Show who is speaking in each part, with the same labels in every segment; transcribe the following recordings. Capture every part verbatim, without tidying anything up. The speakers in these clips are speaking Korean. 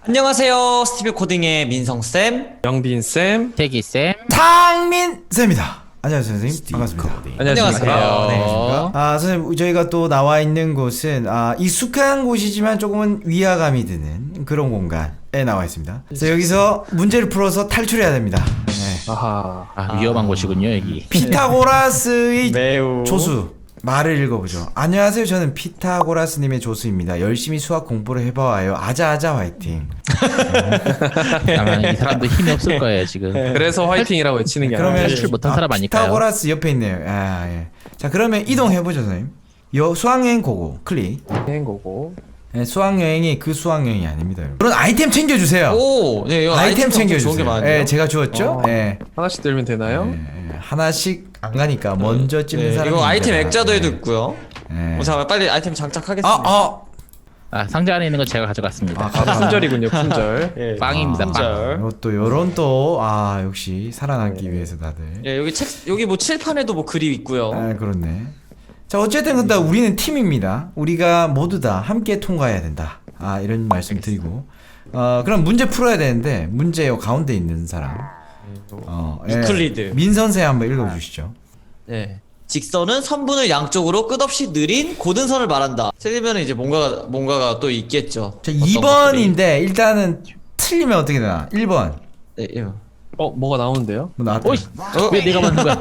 Speaker 1: 안녕하세요. 스티브 코딩의 민성쌤.
Speaker 2: 영빈쌤.
Speaker 3: 태기쌤.
Speaker 4: 상민쌤입니다. 안녕하세요 선생님. 반갑습니다.
Speaker 2: 안녕하세요.
Speaker 4: 안녕하십니까. 아 선생님 저희가 또 나와 있는 곳은 아, 익숙한 곳이지만 조금은 위화감이 드는 그런 공간에 나와 있습니다. 그래서 여기서 문제를 풀어서 탈출해야 됩니다. 네.
Speaker 2: 아하.
Speaker 3: 아, 위험한 곳이군요 여기.
Speaker 4: 피타고라스의
Speaker 1: 매우
Speaker 4: 조수 말을 읽어보죠. 안녕하세요. 저는 피타고라스님의 조수입니다. 열심히 수학 공부를 해봐와요. 아자아자 화이팅.
Speaker 3: 아마 이 사람도 힘이 없을 거예요 지금.
Speaker 2: 그래서 화이팅이라고 외치는 게
Speaker 4: 그러면
Speaker 2: 아니라
Speaker 3: 탈출 못한 사람 아닐까요?
Speaker 4: 피타고라스 옆에 있네요. 아, 예. 자 그러면 이동해보죠 선생님. 여 수학여행 고고 클릭.
Speaker 2: 한 거고.
Speaker 4: 네, 수학여행이 그 수학여행이 아닙니다. 여러분. 그런 아이템 챙겨주세요.
Speaker 1: 오, 네, 이거
Speaker 4: 아이템
Speaker 1: 좋은 게
Speaker 4: 챙겨주세요.
Speaker 1: 많네요.
Speaker 4: 예, 제가 주었죠.
Speaker 2: 어.
Speaker 4: 예.
Speaker 2: 하나씩 들면 되나요?
Speaker 4: 예, 예. 하나씩 안 가니까 먼저 찍는
Speaker 1: 네,
Speaker 4: 사람이
Speaker 1: 이거 아이템
Speaker 4: 문제다.
Speaker 1: 액자도에도
Speaker 4: 예.
Speaker 1: 있고요.
Speaker 4: 예.
Speaker 1: 어, 잠깐만 빨리 아이템 장착하겠습니다.
Speaker 4: 아, 아,
Speaker 3: 아 상자 안에 있는 건 제가 가져갔습니다.
Speaker 4: 아, 가방.
Speaker 2: 품절이군요, 품절.
Speaker 1: 예.
Speaker 3: 빵입니다,
Speaker 4: 아,
Speaker 3: 빵.
Speaker 4: 이것도 요런 또 아 역시 살아남기 위해서 다들.
Speaker 1: 예, 여기 책 여기 뭐 칠판에도 뭐 그림 있고요.
Speaker 4: 아 그렇네. 자 어쨌든 근데 우리는 팀입니다. 우리가 모두 다 함께 통과해야 된다. 아 이런 말씀 드리고 어 그럼 문제 풀어야 되는데 문제 요 가운데 있는 사람 어 예.
Speaker 1: 유클리드.
Speaker 4: 민 선생 한번 읽어주시죠.
Speaker 1: 네. 직선은 선분을 양쪽으로 끝없이 느린 고든선을 말한다. 틀리면 이제 뭔가가 뭔가가 또 있겠죠.
Speaker 4: 자
Speaker 1: 어떤
Speaker 4: 이 번인데 일단은 틀리면 어떻게 되나? 일 번
Speaker 1: 것들이. 네, 예.
Speaker 2: 어, 뭐가 나오는데요?
Speaker 4: 뭐 나왔다.
Speaker 3: 오이, 왜 내가 만든 거야?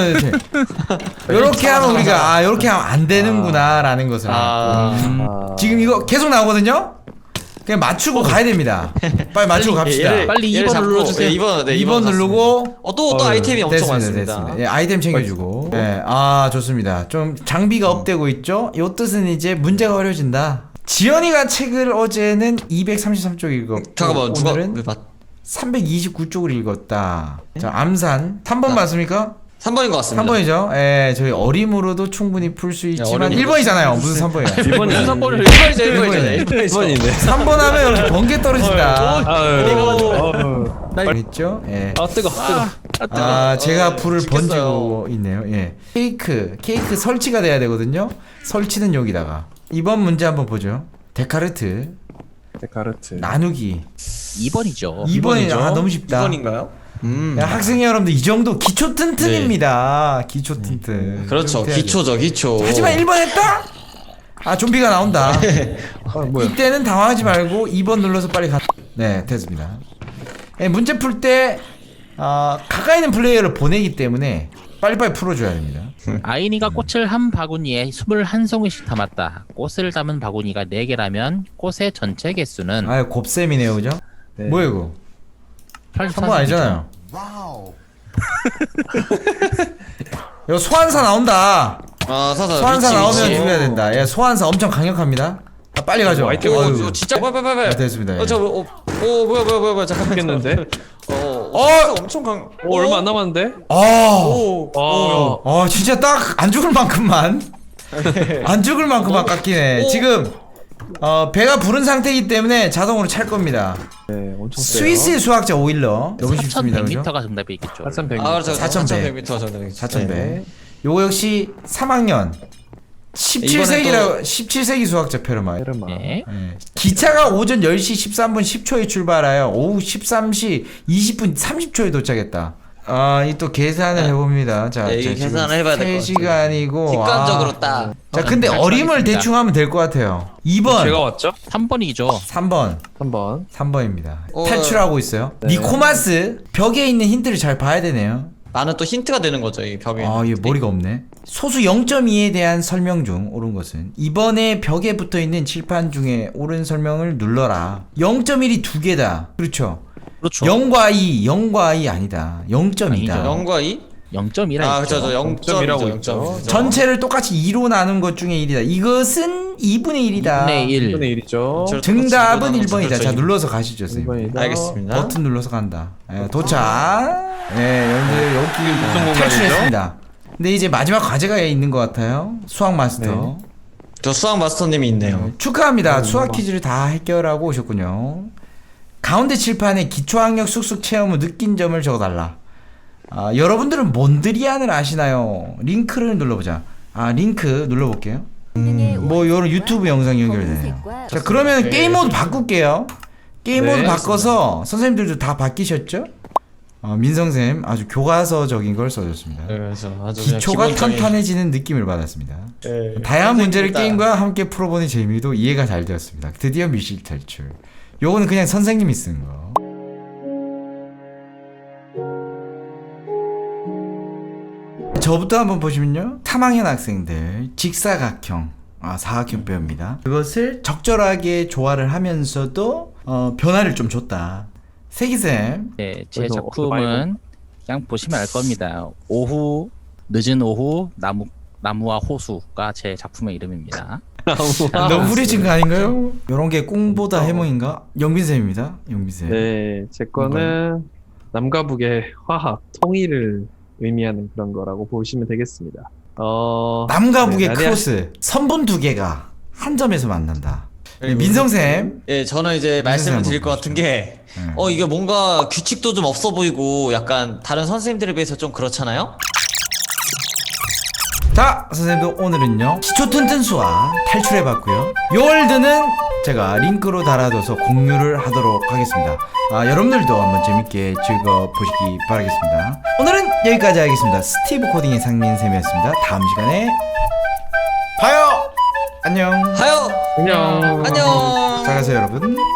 Speaker 4: 이렇게 하면 우리가 아 이렇게 하면 안 되는구나라는 것을
Speaker 1: 아,
Speaker 2: 아.
Speaker 4: 지금 이거 계속 나오거든요. 그냥 맞추고 가야 됩니다. 빨리 맞추고 갑시다.
Speaker 1: 얘를-
Speaker 3: 빨리
Speaker 1: 얘를
Speaker 3: 이 번
Speaker 1: 잡고,
Speaker 3: 눌러주세요.
Speaker 1: 예, 이 번, 네,
Speaker 4: 이 번 누르고
Speaker 1: 어, 또, 또
Speaker 2: 어,
Speaker 1: 아이템이 엄청
Speaker 4: 됐습니다,
Speaker 1: 많습니다.
Speaker 4: 됐습니다. 예, 아이템 챙겨주고. 예, 아 좋습니다. 좀 장비가 업되고 있죠. 요 뜻은 이제 문제가 어려워진다. 지연이가 책을 어제는 이백삼십삼 쪽 읽었고
Speaker 1: 잠깐만, 누가
Speaker 4: 오늘은
Speaker 1: 왜 맞?
Speaker 4: 삼백이십구 쪽을 읽었다. 자 암산 삼 번 맞습니까?
Speaker 1: 삼 번인 것 같습니다.
Speaker 4: 삼 번이죠. 예, 저희 어림으로도 충분히 풀 수 있지만
Speaker 1: 어림으로
Speaker 4: 일 번이잖아요. 무슨 삼 번이야?
Speaker 2: 일 번이
Speaker 3: 무슨 번
Speaker 1: 일 번이죠, 일 번이죠.
Speaker 4: 번이네.
Speaker 1: 일 번이죠.
Speaker 2: 일 번인데.
Speaker 4: 삼 번 하면 이렇게 번개 떨어진다.
Speaker 2: 아유.
Speaker 4: 있죠? 예.
Speaker 2: 아, 뜨거, 뜨거.
Speaker 4: 아, 제가
Speaker 1: 어,
Speaker 4: 불을
Speaker 1: 죽겠어요.
Speaker 4: 번지고 있네요. 예. 케이크, 케이크 설치가 돼야 되거든요. 설치는 여기다가. 이번 문제 한번 보죠. 데카르트
Speaker 2: 데카르트.
Speaker 4: 나누기.
Speaker 3: 이 번이죠.
Speaker 4: 이 번이
Speaker 2: 번이죠?
Speaker 4: 아 너무 쉽다.
Speaker 1: 이 번인가요? 음.
Speaker 4: 야, 학생 여러분들 이 정도 기초 튼튼입니다. 기초 튼튼.
Speaker 1: 그렇죠.
Speaker 4: 이렇게 해야죠.
Speaker 1: 기초죠, 기초.
Speaker 4: 하지만 일 번 했다? 아, 좀비가 나온다.
Speaker 2: 아, 뭐야?
Speaker 4: 이때는 당황하지 말고 이 번 눌러서 빨리 가. 네, 됐습니다. 예, 문제 풀 때 아, 가까이 있는 플레이어를 보내기 때문에 빨리빨리 풀어줘야 됩니다.
Speaker 3: 아이니가 꽃을 한 바구니에 스물한 송이씩 담았다. 꽃을 담은 바구니가 네 개라면 꽃의 전체 개수는
Speaker 4: 아, 곱셈이네요, 그죠?
Speaker 2: 네.
Speaker 4: 뭐야 이거?
Speaker 3: 팔십사
Speaker 4: 한 번 아니잖아요. 이거 소환사 나온다.
Speaker 1: 아, 사사.
Speaker 4: 소환사
Speaker 1: 위치,
Speaker 4: 나오면
Speaker 1: 위치.
Speaker 4: 죽여야 된다. 예, 소환사 엄청 강력합니다. 아, 빨리 가죠.
Speaker 2: 뭐,
Speaker 1: 어,
Speaker 4: 어휴.
Speaker 1: 어, 진짜 빨리 빨리 빨리.
Speaker 4: 네, 됐습니다.
Speaker 1: 어, 저 어, 어, 뭐야 뭐야 뭐야 뭐야 잠깐만.
Speaker 2: 죽겠는데?
Speaker 1: 어,
Speaker 4: 어!
Speaker 1: 어, 엄청 강.
Speaker 2: 오, 얼마 안 남았는데?
Speaker 4: 아,
Speaker 1: 오,
Speaker 2: 아,
Speaker 1: 오,
Speaker 4: 어, 진짜 딱 안 죽을 만큼만 안 죽을 만큼만 깎이네.
Speaker 1: 오.
Speaker 4: 지금 어, 배가 부른 상태이기 때문에 자동으로 찰 겁니다.
Speaker 2: 네, 엄청 세요.
Speaker 4: 스위스의 수학자 오일러 너무 쉽습니다, 그죠?
Speaker 3: 사천백 미터가 정답이 있겠죠.
Speaker 2: 사천백.
Speaker 1: 아, 그렇죠.
Speaker 4: 사천백.
Speaker 1: 사천백 미터 정도.
Speaker 4: 사천 배.
Speaker 2: 네.
Speaker 4: 요거 역시 삼 학년 십칠 세기라 십칠 세기 수학자 페르마.
Speaker 2: 페르마.
Speaker 3: 네.
Speaker 4: 예. 기차가 오전 열 시 십삼 분 십 초에 출발하여 오후 십삼 시 이십 분 삼십 초에 도착했다. 아, 이 또 계산을 해봅니다. 자,
Speaker 1: 네, 이게
Speaker 4: 자, 지금
Speaker 1: 계산을 해봐야 될것
Speaker 4: 세 시간이고.
Speaker 1: 직관적으로
Speaker 4: 아.
Speaker 1: 딱.
Speaker 4: 자, 근데
Speaker 3: 잘
Speaker 4: 어림을
Speaker 3: 찾았습니다.
Speaker 4: 대충 하면 될 것 같아요. 이 번,
Speaker 2: 제가 왔죠?
Speaker 3: 삼 번이죠.
Speaker 4: 삼 번,
Speaker 2: 한 번.
Speaker 4: 삼 번입니다.
Speaker 1: 어.
Speaker 4: 탈출하고 있어요.
Speaker 2: 네.
Speaker 4: 니코마스 벽에 있는 힌트를 잘 봐야 되네요.
Speaker 1: 나는 또 힌트가 되는 거죠, 이 벽에.
Speaker 4: 아, 얘 머리가 없네. 소수 영 점 이에 대한 설명 중 옳은 것은 이번에 벽에 붙어 있는 칠판 중에 옳은 설명을 눌러라. 영 점 일이 두 개다. 그렇죠.
Speaker 3: 그렇죠.
Speaker 4: 영과 이, 영과 이 아니다. 영 점이다.
Speaker 3: 아니죠.
Speaker 1: 영과 이?
Speaker 3: 영 점 일이라
Speaker 1: 아,
Speaker 3: 있죠.
Speaker 1: 그렇죠. 영 점이라고
Speaker 2: 영점이라고
Speaker 1: 있죠.
Speaker 2: 있죠.
Speaker 4: 전체를 똑같이 이로 나눈 것 중에 일이다. 이것은 이분의 일이다.
Speaker 3: 이분의 일.
Speaker 2: 일 분의 일이죠.
Speaker 1: 저-
Speaker 4: 정답은
Speaker 1: 그렇죠.
Speaker 4: 일 번이다.
Speaker 1: 그렇죠.
Speaker 4: 자, 눌러서 가시죠,
Speaker 2: 일
Speaker 4: 선생님.
Speaker 2: 번이다.
Speaker 1: 알겠습니다.
Speaker 4: 버튼 눌러서 간다. 예, 도착. 예, 여러분들 여기
Speaker 2: 무슨 공간이죠?
Speaker 4: 탈출했습니다. 근데 이제 마지막 과제가 있는 것 같아요. 수학 마스터.
Speaker 1: 저 수학 마스터님이 있네요.
Speaker 4: 네, 축하합니다.
Speaker 2: 어,
Speaker 4: 수학
Speaker 2: 뭐.
Speaker 4: 퀴즈를 다 해결하고 오셨군요. 가운데 칠판에 기초학력 쑥쑥 체험 후 느낀 점을 적어달라. 아, 여러분들은 몬드리안을 아시나요? 링크를 눌러보자. 아, 링크 눌러볼게요. 음, 뭐 요런 유튜브 영상 연결되네요. 자, 그러면
Speaker 2: 네.
Speaker 4: 게임 모드 바꿀게요. 게임
Speaker 2: 네,
Speaker 4: 모드 바꿔서 선생님들도 다 바뀌셨죠? 어, 민성쌤 아주 교과서적인 걸 써줬습니다.
Speaker 1: 네, 그래서 아주 그냥
Speaker 4: 기초가
Speaker 1: 기본적인-
Speaker 4: 탄탄해지는 느낌을 받았습니다.
Speaker 1: 네,
Speaker 4: 다양한 문제를
Speaker 1: 선생님이다.
Speaker 4: 게임과 함께 풀어보는 재미도 이해가 잘 되었습니다. 드디어 미실 탈출. 요거는 그냥 선생님이 쓴 거. 저부터 한번 보시면요. 삼 학년 학생들 직사각형 아, 사각형뼈입니다. 그것을 적절하게 조화를 하면서도 어, 변화를 좀 줬다. 세기쌤
Speaker 3: 네, 제
Speaker 2: 그래서
Speaker 3: 작품은 그냥 보시면 알 겁니다. 오후, 늦은 오후, 나무 나무와 호수가 제 작품의 이름입니다.
Speaker 4: 너무 후리진 거 아닌가요? 요런 게 꽁보다 해몽인가? 영빈쌤입니다. 영빈쌤.
Speaker 2: 네, 제 거는 남과 북의 화합, 통일을 의미하는 그런 거라고 보시면 되겠습니다. 어,
Speaker 4: 남과
Speaker 2: 네,
Speaker 4: 북의
Speaker 2: 나리아-
Speaker 4: 크로스 선분 두 개가 한 점에서 만난다. 네, 민성쌤.
Speaker 1: 예, 저는 이제 말씀을
Speaker 4: 한번
Speaker 1: 드릴 것 같은 게,
Speaker 4: 네.
Speaker 1: 어, 이게 뭔가 규칙도 좀 없어 보이고, 약간 다른 선생님들에 비해서 좀 그렇잖아요?
Speaker 4: 자, 선생님들 오늘은요 시초 튼튼수와 탈출해봤고요. 요 월드는 제가 링크로 달아둬서 공유를 하도록 하겠습니다. 아, 여러분들도 한번 재밌게 즐거보시기 바라겠습니다. 오늘은 여기까지 하겠습니다. 스티브 코딩의 상민쌤이었습니다. 다음 시간에 봐요. 안녕.
Speaker 1: 하여!
Speaker 2: 안녕.
Speaker 1: 안녕!
Speaker 4: 잘 가세요 여러분.